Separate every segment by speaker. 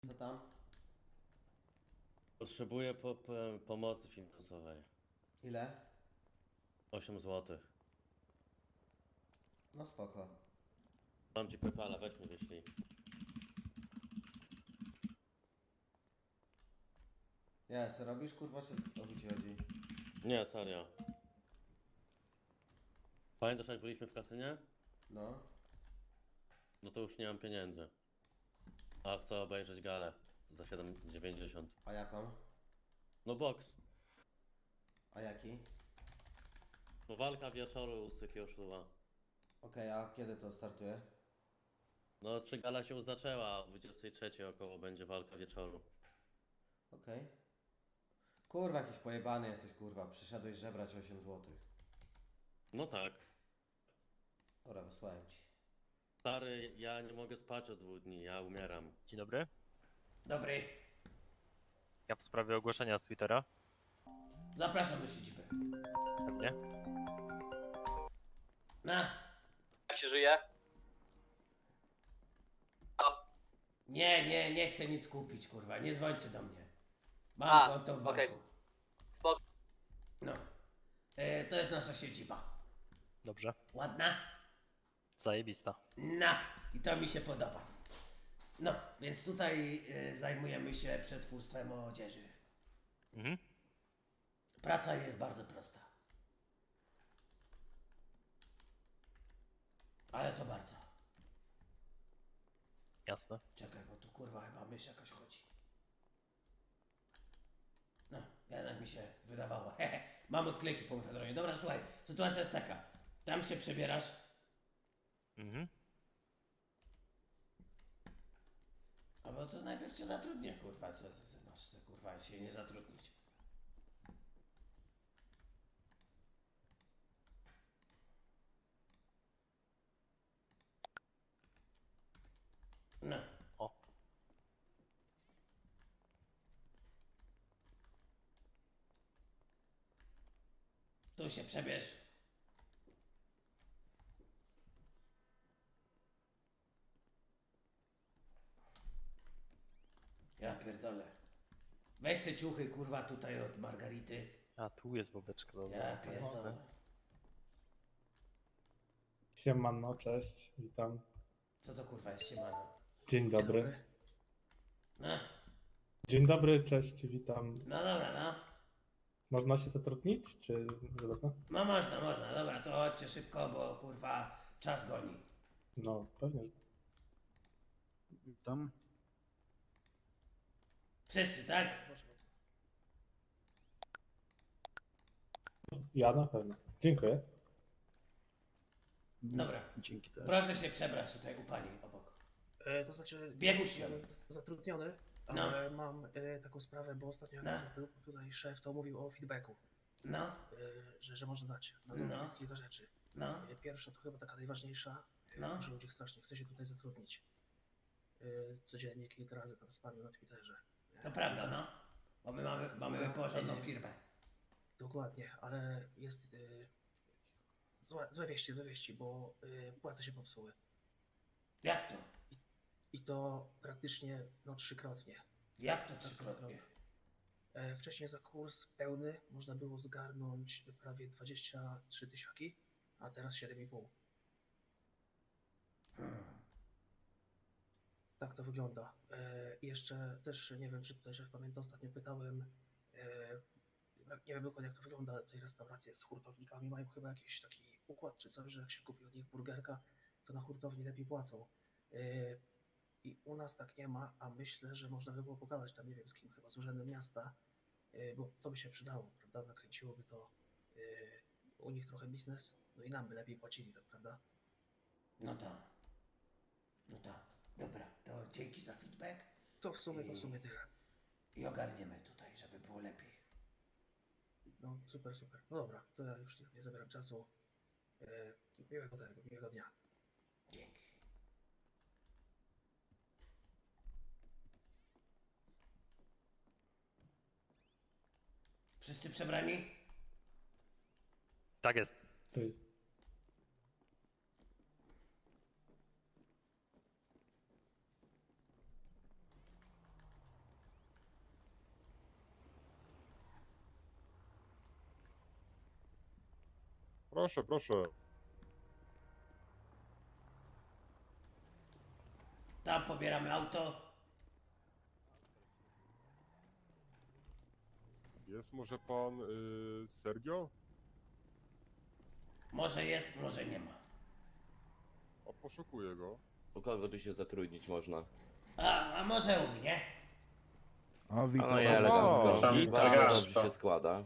Speaker 1: Co tam?
Speaker 2: Potrzebuję pomocy finansowej.
Speaker 1: Ile?
Speaker 2: 8 zł.
Speaker 1: No spoko.
Speaker 2: Mam ci PayPala, weź mi wyślij.
Speaker 1: Jest, robisz kurwa, czy o co ci chodzi?
Speaker 2: Nie, serio. Pamiętasz jak byliśmy w kasynie?
Speaker 1: No.
Speaker 2: No to już nie mam pieniędzy. A chcę obejrzeć galę za 7,90.
Speaker 1: A jaką?
Speaker 2: No boks.
Speaker 1: A jaki?
Speaker 2: No walka wieczoru u Sykiego Szluwa.
Speaker 1: Okej, a kiedy to startuje?
Speaker 2: No czy gala się już zaczęła, o 23 około będzie walka wieczoru.
Speaker 1: Okej. Kurwa, jakiś pojebany jesteś, kurwa. Przyszedłeś żebrać 8 zł.
Speaker 2: No tak.
Speaker 1: Dobra, wysłałem ci.
Speaker 2: Stary, ja nie mogę spać od 2 dni, ja umieram.
Speaker 3: Dzień dobry.
Speaker 1: Dobry.
Speaker 3: Ja w sprawie ogłoszenia z Twittera.
Speaker 1: Zapraszam do siedziby.
Speaker 3: Pewnie.
Speaker 1: Na!
Speaker 4: Jak się żyje?
Speaker 1: Nie chcę nic kupić, kurwa. Nie dzwońcie do mnie. Mam
Speaker 4: A,
Speaker 1: konto w banku.
Speaker 4: okej. Spoko.
Speaker 1: No. To jest nasza siedziba.
Speaker 3: Dobrze.
Speaker 1: Ładna?
Speaker 3: Zajebista.
Speaker 1: No. I to mi się podoba. No, więc tutaj zajmujemy się przetwórstwem odzieży.
Speaker 3: Mhm.
Speaker 1: Praca jest bardzo prosta. Ale to bardzo.
Speaker 3: Jasne.
Speaker 1: Czekaj, bo tu kurwa chyba mysz jakaś chodzi. No, jednak mi się wydawało. Mam odklejki po mefedronie. Dobra, słuchaj, sytuacja jest taka. Tam się przebierasz.
Speaker 3: Mhm.
Speaker 1: Albo to najpierw cię zatrudnię, kurwa. Co masz se, kurwa, się nie zatrudnić? No.
Speaker 3: O.
Speaker 1: Tu się przebierz. Ja pierdolę. Weź se ciuchy, kurwa, tutaj od Margarity.
Speaker 3: A tu jest bobeczka, dobra.
Speaker 1: Ja
Speaker 3: Jasne.
Speaker 1: pierdolę.
Speaker 5: Siemano, cześć, witam.
Speaker 1: Co to kurwa jest siemano?
Speaker 5: Dzień dobry.
Speaker 1: No,
Speaker 5: Dzień dobry, cześć, witam.
Speaker 1: no dobra, no.
Speaker 5: Można się zatrudnić, czy można?
Speaker 1: No można, dobra, to chodźcie szybko, bo kurwa czas goni.
Speaker 5: No, pewnie.
Speaker 6: Witam.
Speaker 1: Wszyscy, tak?
Speaker 5: Ja na pewno. Dziękuję.
Speaker 1: Dobra.
Speaker 6: Dzięki też.
Speaker 1: Proszę się przebrać tutaj u pani obok.
Speaker 7: To znaczy,
Speaker 1: Biegł
Speaker 7: jestem
Speaker 1: się.
Speaker 7: zatrudniony,
Speaker 1: No.
Speaker 7: ale mam taką sprawę, bo ostatnio
Speaker 1: No.
Speaker 7: jak był tutaj szef, to mówił o feedbacku,
Speaker 1: No,
Speaker 7: że można dać. No,
Speaker 1: No.
Speaker 7: jest kilka rzeczy.
Speaker 1: no,
Speaker 7: Pierwsza to chyba taka najważniejsza,
Speaker 1: No.
Speaker 7: dużo ludzi strasznie chce się tutaj zatrudnić. Codziennie kilka razy tam spamię na Twitterze.
Speaker 1: to prawda, no. Bo my mamy porządną firmę.
Speaker 7: Dokładnie, ale jest złe wieści, bo płace się popsuły.
Speaker 1: Jak to?
Speaker 7: I to praktycznie no trzykrotnie.
Speaker 1: Jak to trzykrotnie?
Speaker 7: Wcześniej za kurs pełny można było zgarnąć prawie 23 tysiące, a teraz 7,5. Tak to wygląda. I jeszcze też nie wiem, czy tutaj szef pamięta, ostatnio pytałem, nie wiem dokładnie jak to wygląda, ale tej restauracje z hurtownikami mają chyba jakiś taki układ czy coś, że jak się kupi od nich burgerka, to na hurtowni lepiej płacą. I u nas tak nie ma, a myślę, że można by było pogadać tam, nie wiem z kim, chyba z urzędem miasta, bo to by się przydało, prawda? Nakręciłoby to u nich trochę biznes, no i nam by lepiej płacili, tak prawda?
Speaker 1: No to. No to. Dobra, to dzięki za feedback
Speaker 7: To w sumie tyle.
Speaker 1: i ogarniemy tutaj, żeby było lepiej.
Speaker 7: No super. No dobra, to ja już nie zabieram czasu. Miłego dnia.
Speaker 1: Dzięki. Wszyscy przebrani?
Speaker 3: Tak jest.
Speaker 5: To jest.
Speaker 6: Proszę, proszę.
Speaker 1: Tam pobieramy auto.
Speaker 6: Jest może pan Sergio?
Speaker 1: Może jest, może nie ma.
Speaker 6: A poszukuję go.
Speaker 8: U kogo tu się zatrudnić można?
Speaker 1: A może u mnie?
Speaker 9: O,
Speaker 8: A
Speaker 9: witam.
Speaker 8: no i elegancko.
Speaker 3: Tam
Speaker 8: Bardzo
Speaker 3: tak.
Speaker 8: dobrze się składa.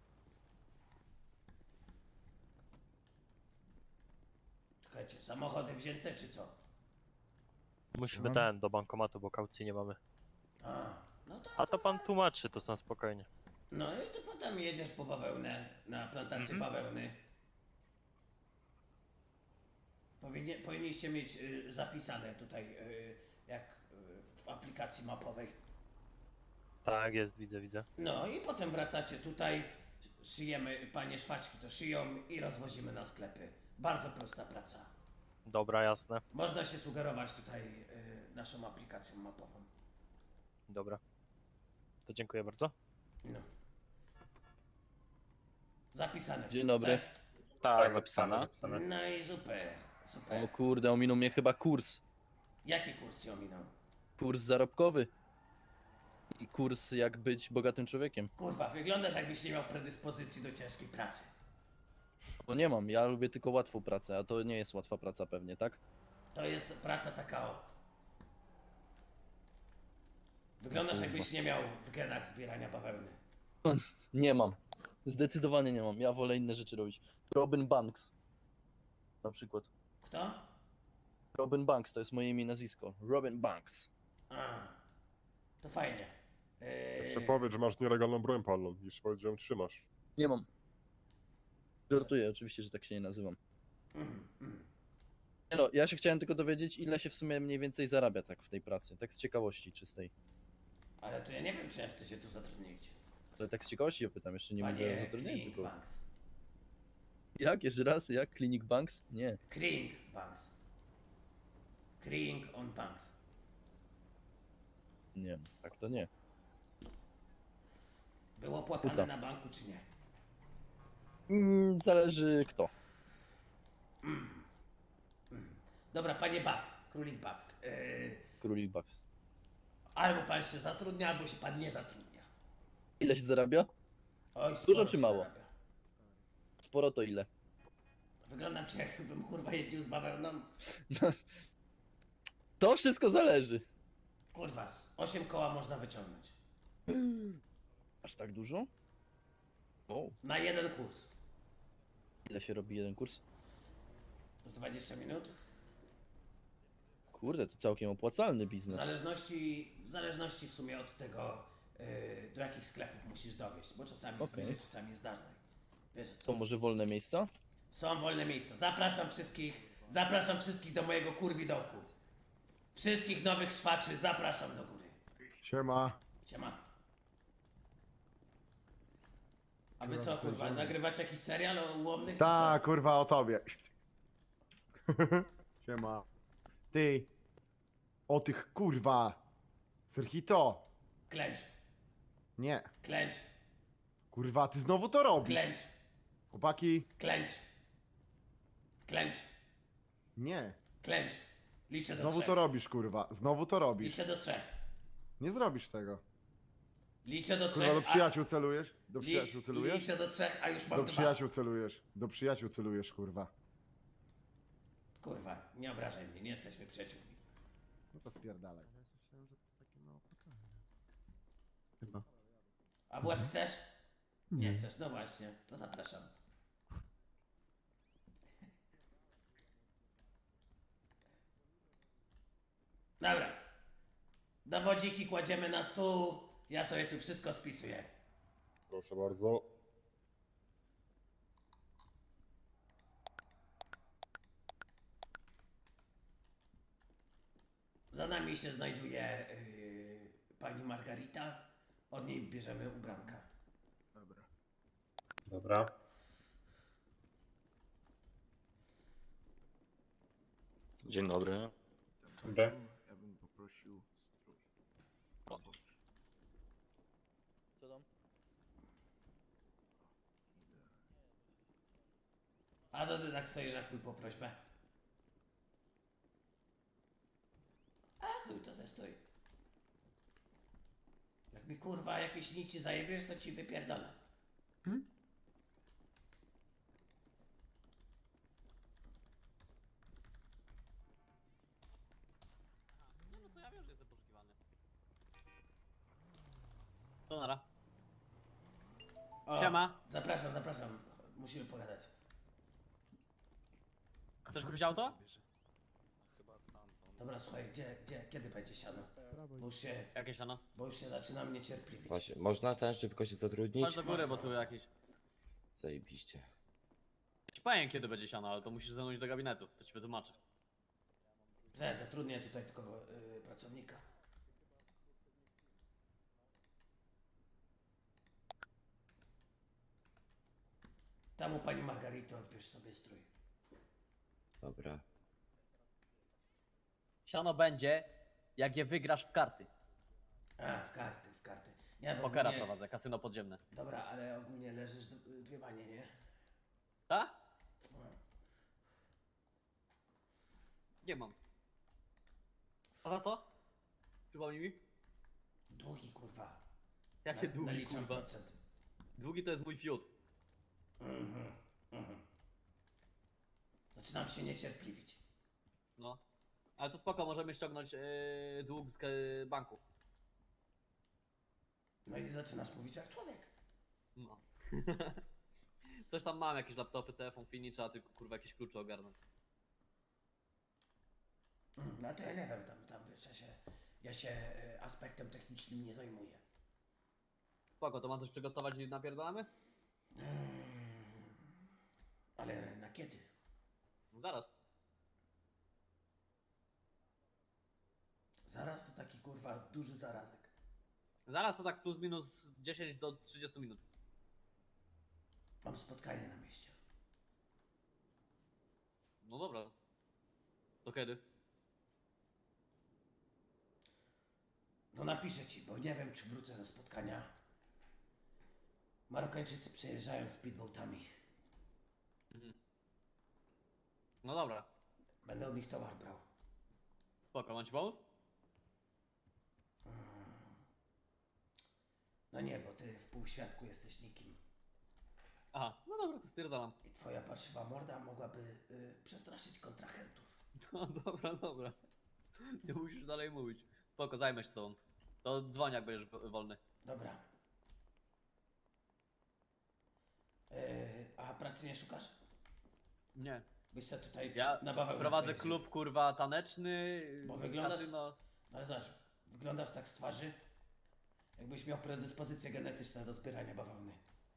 Speaker 1: Czekajcie, samochody wzięte czy co?
Speaker 3: Musimy
Speaker 9: No.
Speaker 3: do bankomatu, bo kaucji nie mamy.
Speaker 1: No to...
Speaker 3: A to pan tłumaczy, to na spokojnie.
Speaker 1: No i to potem jedziesz po bawełnę, na plantację bawełny. Powinniście mieć zapisane tutaj, jak w aplikacji mapowej.
Speaker 3: Tak jest, widzę.
Speaker 1: No i potem wracacie tutaj, szyjemy, panie szwaczki to szyją i rozwozimy na sklepy. Bardzo prosta praca.
Speaker 3: Dobra, jasne.
Speaker 1: Można się sugerować tutaj naszą aplikacją mapową.
Speaker 3: Dobra. To dziękuję bardzo.
Speaker 1: No. Zapisane
Speaker 10: Dzień
Speaker 1: wszystko,
Speaker 10: dobry.
Speaker 3: Tak, zapisana.
Speaker 1: Tak? No i super, super.
Speaker 10: O kurde, ominął mnie chyba kurs.
Speaker 1: Jaki kurs się ominął?
Speaker 10: Kurs zarobkowy. I kurs jak być bogatym człowiekiem.
Speaker 1: Kurwa, wyglądasz jakbyś nie miał predyspozycji do ciężkiej pracy.
Speaker 10: Bo nie mam, ja lubię tylko łatwą pracę, a to nie jest łatwa praca pewnie, tak?
Speaker 1: To jest praca taka o... Wyglądasz jakbyś nie miał w genach zbierania bawełny.
Speaker 10: Nie mam. Zdecydowanie nie mam. Ja wolę inne rzeczy robić. Robin Banks. Na przykład.
Speaker 1: Kto?
Speaker 10: Robin Banks to jest moje imię i nazwisko. Robin Banks.
Speaker 1: A, to fajnie.
Speaker 6: Jeszcze powiedz, że masz nielegalną broń palną i swoją ją trzymasz.
Speaker 10: Nie mam. Żartuję, oczywiście, że tak się nie nazywam. Nie no, ja się chciałem tylko dowiedzieć, ile się w sumie mniej więcej zarabia tak w tej pracy. Tak z ciekawości czystej.
Speaker 1: Ale to ja nie wiem, czy ja chcę się tu zatrudnić.
Speaker 10: Ale tak z ciekawości ja pytam, jeszcze nie mówię o
Speaker 1: Panie
Speaker 10: zatrudnieniu,
Speaker 1: Kring
Speaker 10: tylko...
Speaker 1: Banks.
Speaker 10: Jak? Jeszcze raz? Jak? Clinic Banks? Nie.
Speaker 1: Kring Banks. Kring on Banks.
Speaker 10: Nie, tak to nie.
Speaker 1: Było płakane
Speaker 10: Uda.
Speaker 1: na banku, czy nie?
Speaker 10: Zależy kto.
Speaker 1: Dobra, panie Banks, królik Banks.
Speaker 10: Królik Banks.
Speaker 1: Albo pan się zatrudnia, albo się pan nie zatrudnia.
Speaker 10: Ile się zarabia?
Speaker 1: Oj,
Speaker 10: Dużo
Speaker 1: sporo
Speaker 10: czy
Speaker 1: się
Speaker 10: mało?
Speaker 1: zarabia.
Speaker 10: Sporo to ile?
Speaker 1: Wyglądam ci jakbym kurwa jeździł z bawełną.
Speaker 10: To wszystko zależy.
Speaker 1: Kurwa, z 8 koła można wyciągnąć.
Speaker 10: Aż tak dużo? O,
Speaker 1: Na jeden kurs.
Speaker 10: ile się robi jeden kurs?
Speaker 1: Z 20 minut.
Speaker 10: Kurde, to całkiem opłacalny
Speaker 1: W
Speaker 10: biznes.
Speaker 1: zależności w sumie od tego, do jakich sklepów musisz dowieść, bo czasami jest
Speaker 10: Okej.
Speaker 1: bliżej, czasami jest dalej. Wiesz,
Speaker 10: To może wolne miejsca?
Speaker 1: są wolne miejsca. Zapraszam wszystkich do mojego kurwidołku. Wszystkich nowych szwaczy zapraszam do góry.
Speaker 9: Siema.
Speaker 1: Siema. A wy co, kurwa, nagrywacie jakiś serial o ułomnych, czy
Speaker 9: Ta,
Speaker 1: co?
Speaker 9: kurwa, o tobie. Siema. Ty. O tych, kurwa. Serhito.
Speaker 1: Klęcz,
Speaker 9: Nie.
Speaker 1: klęcz,
Speaker 9: Kurwa, ty znowu to robisz.
Speaker 1: klęcz,
Speaker 9: Chłopaki.
Speaker 1: klęcz. Klęcz,
Speaker 9: Nie.
Speaker 1: klęcz. Liczę do
Speaker 9: Znowu
Speaker 1: 3.
Speaker 9: to robisz, kurwa. Znowu to robisz.
Speaker 1: Liczę do 3.
Speaker 9: Nie zrobisz tego.
Speaker 1: Liczę do 3.
Speaker 9: Kurwa, do przyjaciół celujesz? Do przyjaciół celujesz?
Speaker 1: Liczę do 3, a już mam
Speaker 9: Do
Speaker 1: 2.
Speaker 9: przyjaciół celujesz. Do przyjaciół celujesz, kurwa.
Speaker 1: Kurwa, nie obrażaj mnie, nie jesteśmy przyjaciółmi.
Speaker 9: No to spierdalaj.
Speaker 1: A w łeb chcesz? Nie chcesz, no właśnie, to zapraszam. Dobra. Dowodziki kładziemy na stół, ja sobie tu wszystko spisuję.
Speaker 6: Proszę bardzo.
Speaker 1: Za nami się znajduje pani Margarita, od niej bierzemy ubranka.
Speaker 5: Dobra.
Speaker 3: Dzień dobry.
Speaker 5: Dobra.
Speaker 9: Ja bym poprosił strój.
Speaker 10: Co tam?
Speaker 1: tak stoisz jak chuj po prośbę? A chuj, to ze stój. Jak mi kurwa jakieś nici zajebiesz, to ci wypierdolę.
Speaker 4: Nie no to ja wiem, że jestem poszukiwany. To nara.
Speaker 1: O,
Speaker 4: Siema.
Speaker 1: Zapraszam, zapraszam. Musimy pogadać.
Speaker 4: Chcesz kupić auto?
Speaker 1: Dobra, słuchaj, kiedy będzie siano?
Speaker 4: Jakie siano?
Speaker 1: Bo już się zaczyna mnie cierpliwić.
Speaker 8: Właśnie, można ten szybko się zatrudnić?
Speaker 4: Chodź do góry, bo tu
Speaker 1: Można.
Speaker 4: jakieś...
Speaker 8: Zajebiście.
Speaker 4: Ja ci powiem kiedy będzie siano, ale to musisz ze mną iść do gabinetu, to ci wytłumaczę.
Speaker 1: Że zatrudnię tutaj tylko pracownika. Tam u pani Margarity odbierz sobie strój.
Speaker 8: Dobra.
Speaker 4: Siano będzie, jak je wygrasz w karty.
Speaker 1: A, w karty, w karty. Nie, bo
Speaker 4: Pokera
Speaker 1: ogólnie-
Speaker 4: prowadzę, kasyno podziemne.
Speaker 1: Dobra, ale ogólnie leżysz dwie banie, nie?
Speaker 4: Tak?
Speaker 1: No.
Speaker 4: Nie mam. A za co? Przypomnij mi.
Speaker 1: Długi, kurwa.
Speaker 4: Jakie długi,
Speaker 1: Naliczam
Speaker 4: kurwa?
Speaker 1: procent.
Speaker 4: Długi to jest mój fiut.
Speaker 1: Zaczynam się niecierpliwić.
Speaker 4: No. Ale to spoko, możemy ściągnąć dług z banku.
Speaker 1: No i zaczynasz mówić jak człowiek.
Speaker 4: No. Coś tam mam, jakieś laptopy, telefon, fini, trzeba tylko kurwa jakieś klucze ogarnąć.
Speaker 1: No to ja nie wiem, tam wiesz, ja się aspektem technicznym nie zajmuję.
Speaker 4: Spoko, to mam coś przygotować i napierdolamy?
Speaker 1: Ale na kiedy?
Speaker 4: No zaraz.
Speaker 1: Zaraz to taki kurwa duży zarazek.
Speaker 4: Zaraz to tak plus minus 10 do 30 minut.
Speaker 1: Mam spotkanie na mieście.
Speaker 4: No dobra. To kiedy?
Speaker 1: No napiszę ci, bo nie wiem czy wrócę ze spotkania. Marokańczycy przejeżdżają speedboatami.
Speaker 4: No dobra.
Speaker 1: Będę od nich towar brał.
Speaker 4: Spoko, mam ci pomóc?
Speaker 1: No nie, bo ty w półświadku jesteś nikim.
Speaker 4: Aha, no dobra, to spierdalam.
Speaker 1: I twoja parszywa morda mogłaby przestraszyć kontrahentów.
Speaker 4: No dobra, dobra. Nie musisz dalej mówić. Spoko, zajmę się sobą. To dzwoń jak będziesz wolny.
Speaker 1: Dobra. A pracy nie szukasz?
Speaker 4: Nie.
Speaker 1: Byś se tutaj
Speaker 4: Ja
Speaker 1: na bawełnę
Speaker 4: prowadzę
Speaker 1: pojeździł.
Speaker 4: klub kurwa taneczny.
Speaker 1: Bo wyglądasz-
Speaker 4: kasyno.
Speaker 1: Ale zobacz, wyglądasz tak z twarzy, jakbyś miał predyspozycje genetyczne do zbierania bawełny.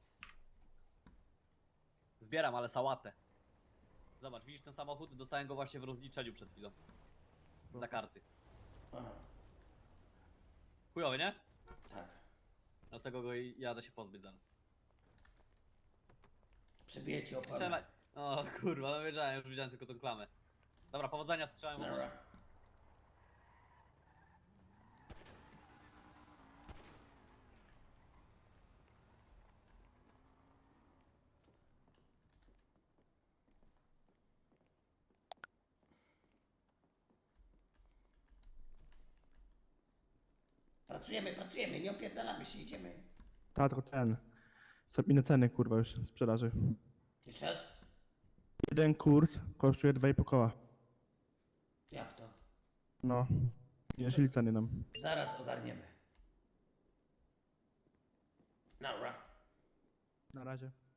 Speaker 4: Zbieram, ale sałatę. Zobacz, widzisz ten samochód? Dostałem go właśnie w rozliczeniu przed chwilą. Za karty.
Speaker 1: Aha,
Speaker 4: Chujowy, nie?
Speaker 1: tak.
Speaker 4: Dlatego go jadę się pozbyć zaraz.
Speaker 1: Przebiję ci oponę.
Speaker 4: Strzelaj. O kurwa, no wiedziałem, już widziałem tylko tą klamę. Dobra, powodzenia w strzałem.
Speaker 1: Dobra. Pracujemy, nie opierdalamy się, idziemy.
Speaker 5: Tato, ten. Zabijmy ceny, kurwa, już sprzedaży.
Speaker 1: Jeszcze raz?
Speaker 5: Jeden kurs kosztuje 2,5 koła.
Speaker 1: Jak to?
Speaker 5: No. Jeśli ceny nam.
Speaker 1: Zaraz ogarniemy. Dobra.
Speaker 5: Na razie.